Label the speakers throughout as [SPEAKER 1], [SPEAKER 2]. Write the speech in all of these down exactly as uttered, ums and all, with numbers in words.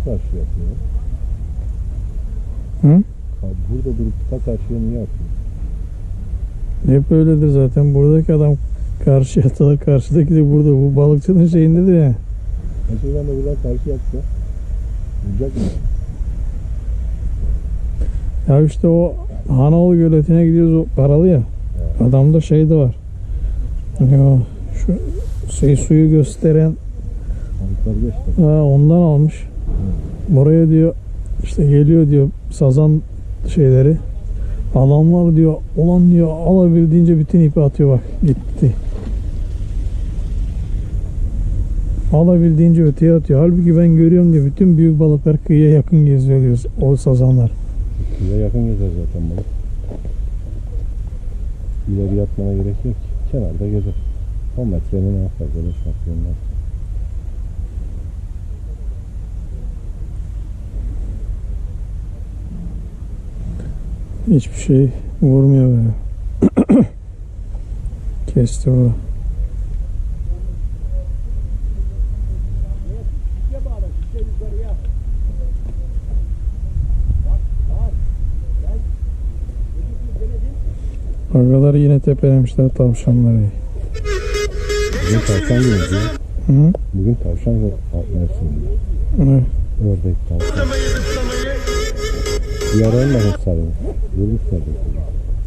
[SPEAKER 1] karşı yapıyor?
[SPEAKER 2] Hı?
[SPEAKER 1] Burada durup ta karşıya niye atıyor?
[SPEAKER 2] Hep öyledir zaten. Buradaki adam karşıya atar, karşıdaki de burada. Bu balıkçının şeyindedir ya.
[SPEAKER 1] Mesela ben de buradan karşı yapsa vuracak mı?
[SPEAKER 2] Ya işte o Hanaoğlu göletine gidiyoruz, o paralı ya.
[SPEAKER 1] Evet.
[SPEAKER 2] Adamda şey de var. Ya şu şey suyu gösteren
[SPEAKER 1] Balıkları göster.
[SPEAKER 2] ha, ondan almış.
[SPEAKER 1] Hı.
[SPEAKER 2] Buraya diyor işte geliyor diyor sazan şeyleri. Adamlar diyor olan diyor alabildiğince bütün ipi atıyor, bak gitti. Alabildiğince öteye atıyor. Halbuki ben görüyorum diyor bütün büyük balıklar kıyıya yakın geziyor diyor o sazanlar.
[SPEAKER 1] Kıyıya yakın gezer zaten balık. İleri yatmana gerek yok ki. Kenarda gezer. on metrenin en fazla beş metrenin en fazla.
[SPEAKER 2] Hiçbir şey vurmuyor böyle. Kesti o. Agalar yine tepelemişler tavşanları.
[SPEAKER 1] Bugün tavşan günü diyor.
[SPEAKER 2] Hı?
[SPEAKER 1] Bugün tavşan ve mevsiminde.
[SPEAKER 2] Evet.
[SPEAKER 1] Ördek tavşan. Bir ara olmadı sarı. Vurmuşlar da.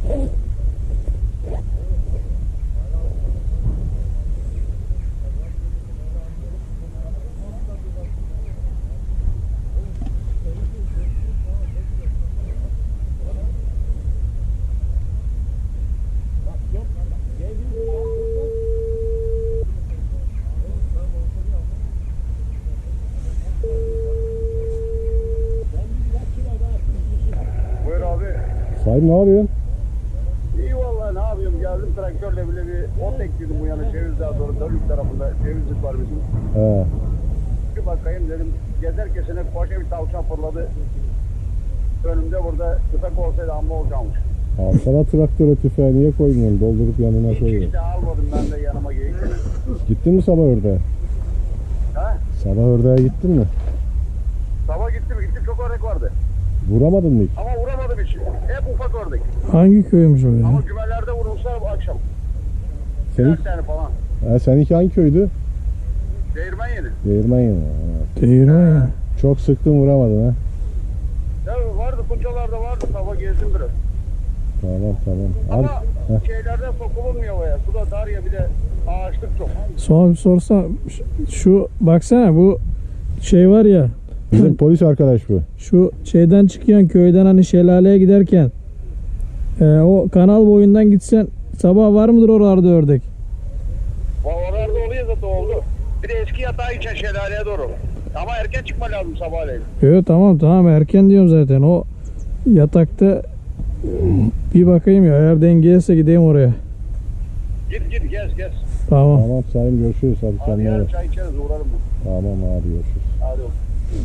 [SPEAKER 1] Sahip ne yapıyorsun?
[SPEAKER 3] İyi vallahi ne yapıyorum, geldim traktörle bile bir ot ekledim bu yana Cevizli'ye doğru, Dönük tarafında cevizlik var bizim.
[SPEAKER 1] He.
[SPEAKER 3] Bir bakayım dedim, gezerken sene koca bir tavşan fırladı. Önümde burada tüfek olsaydı amma olacakmış.
[SPEAKER 1] Abi sana traktöre tüfeği niye koymuyorsun? Doldurup yanına
[SPEAKER 3] Hiç
[SPEAKER 1] koyuyorsun.
[SPEAKER 3] işte almadım ben de yanıma geyikten.
[SPEAKER 1] Gittin mi sabah ördeğe?
[SPEAKER 3] Ha?
[SPEAKER 1] Sabah ördeğe gittin mi?
[SPEAKER 3] Sabah gittim, gittim çok ördek vardı.
[SPEAKER 1] Vuramadın mı hiç?
[SPEAKER 3] Ama vuramadım hiç. Hep ufak ördek.
[SPEAKER 2] Hangi köymüş o ya?
[SPEAKER 3] Ama gümelerde vurmuşlar bu akşam.
[SPEAKER 1] Senin,
[SPEAKER 3] Dört tane falan.
[SPEAKER 1] ha, seninki hangi köydü?
[SPEAKER 3] Değirmen yedi.
[SPEAKER 1] Değirmen yeni. Ha.
[SPEAKER 2] Değirmen ya.
[SPEAKER 1] Çok sıktın vuramadın ha.
[SPEAKER 3] Ya vardı, kuncalarda vardı, sabah gezdim biraz.
[SPEAKER 1] Tamam tamam.
[SPEAKER 3] Ama
[SPEAKER 1] Abi, heh.
[SPEAKER 3] şeylerden sokulunmuyor ya. Suda dar ya, bir de ağaçlık çok.
[SPEAKER 2] Sonra bir sorsa şu baksana bu şey var ya,
[SPEAKER 1] Bizim polis arkadaş bu.
[SPEAKER 2] şu şeyden çıkıyorsun köyden hani şelaleye giderken e, o kanal boyundan gitsen sabah var mıdır oralarda ördek?
[SPEAKER 3] Oralarda oluyor zaten, oldu. Bir de eski yatağı için şelaleye doğru. Ama erken çıkma lazım sabahleyin.
[SPEAKER 2] Evet tamam tamam erken diyorum zaten, o yatakta bir bakayım ya, eğer dengeyse gideyim oraya.
[SPEAKER 3] Git git gez gez.
[SPEAKER 2] Tamam.
[SPEAKER 1] Tamam Salim görüşürüz. Hadi
[SPEAKER 3] Hadi
[SPEAKER 1] kendine
[SPEAKER 3] yarın
[SPEAKER 1] bak.
[SPEAKER 3] çay içeriz, uğrarım ben.
[SPEAKER 1] Tamam abi görüşürüz.
[SPEAKER 3] Hadi oğlum.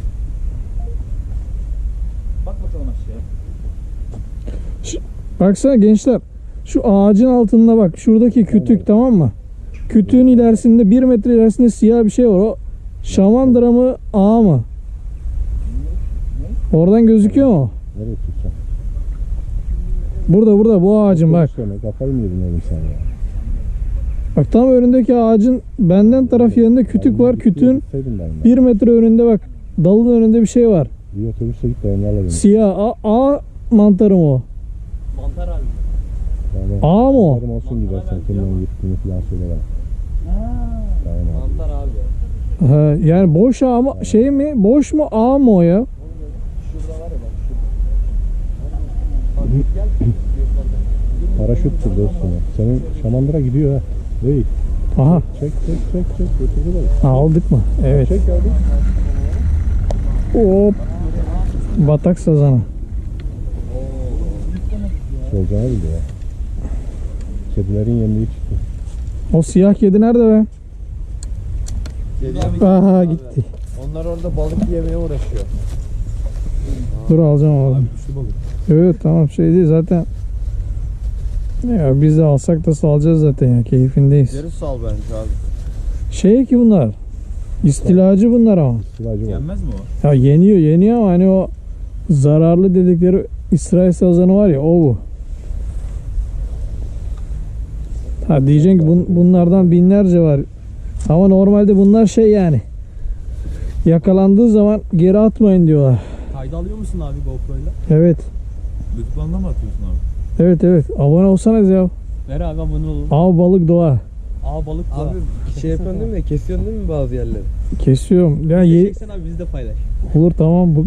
[SPEAKER 4] Bak bakalım aşağıya.
[SPEAKER 2] Baksana gençler, şu ağacın altında bak, şuradaki kütük, tamam mı? Kütüğün ilerisinde bir metre ilerisinde siyah bir şey var, o şamandıra mı ağa mı? Oradan gözüküyor mu?
[SPEAKER 1] Nereye tutacağım?
[SPEAKER 2] Burada burada bu ağacın bak.
[SPEAKER 1] Söyle, kafayı mı yedin oğlum sen ya?
[SPEAKER 2] Bak tam önündeki ağacın benden taraf yerinde kütük var. Kütüğün
[SPEAKER 1] Gitseydin ben ya.
[SPEAKER 2] bir metre önünde bak, dalın önünde bir şey var.
[SPEAKER 1] Bir otobüse git de onlarla beni.
[SPEAKER 2] Siyah a, a mantarı mı o?
[SPEAKER 4] Mantar abi.
[SPEAKER 1] Tamam.
[SPEAKER 2] Ağa mı o?
[SPEAKER 1] Haberim olsun gidersen kimden gittiğini falan söyle bana.
[SPEAKER 4] Ha.
[SPEAKER 1] Tamam abi.
[SPEAKER 4] Mantar abi.
[SPEAKER 2] Ha, yani boş ağa mı şey mi? Boş mu ağa mı o ya?
[SPEAKER 4] Şurada var ya bak şurada. Bak gel. Yukarıda.
[SPEAKER 1] Paraşüttür dostum. Senin şamandıra gidiyor ha. Değil.
[SPEAKER 2] Aha.
[SPEAKER 1] Çek çek çek çek. Götürdü beni.
[SPEAKER 2] Aldık mı? Evet.
[SPEAKER 1] Çek abi.
[SPEAKER 2] Hop. Batak sazanı.
[SPEAKER 1] Solcana bildi ya. Kedilerin yendiği çıktı.
[SPEAKER 2] O siyah kedi nerede be? Aha gitti.
[SPEAKER 4] Onlar orada balık yemeye uğraşıyor.
[SPEAKER 2] Dur alacağım oğlum.
[SPEAKER 4] Güçlü balık.
[SPEAKER 2] Evet tamam, şey değil zaten. Ya biz de alsak da salacağız zaten ya, keyfindeyiz.
[SPEAKER 4] Geri sal bence abi.
[SPEAKER 2] Şey ki bunlar. İstilacı bunlar ama.
[SPEAKER 1] Silacı var.
[SPEAKER 4] Yenmez mi o?
[SPEAKER 2] Ya yeniyor yeniyor ama hani o zararlı dedikleri İsrail sazanı var ya o bu. Ha diyeceksin ki bun- bunlardan binlerce var. Ama normalde bunlar şey yani. Yakalandığı zaman geri atmayın diyorlar.
[SPEAKER 4] Kayda alıyor musun abi GoPro'yla?
[SPEAKER 2] Evet.
[SPEAKER 4] YouTube'dan mı atıyorsun abi?
[SPEAKER 2] Evet evet. Abone olsanız ya.
[SPEAKER 4] Ver abi abone olun.
[SPEAKER 2] Av balık doğa.
[SPEAKER 4] Aa balık da.
[SPEAKER 5] Abi şey yapıyorsun değil mi? Kesiyorsun değil mi bazı yerleri?
[SPEAKER 2] Kesiyorum. Ya ye-
[SPEAKER 4] Çeksen abi bizi de paylaş.
[SPEAKER 2] olur tamam bu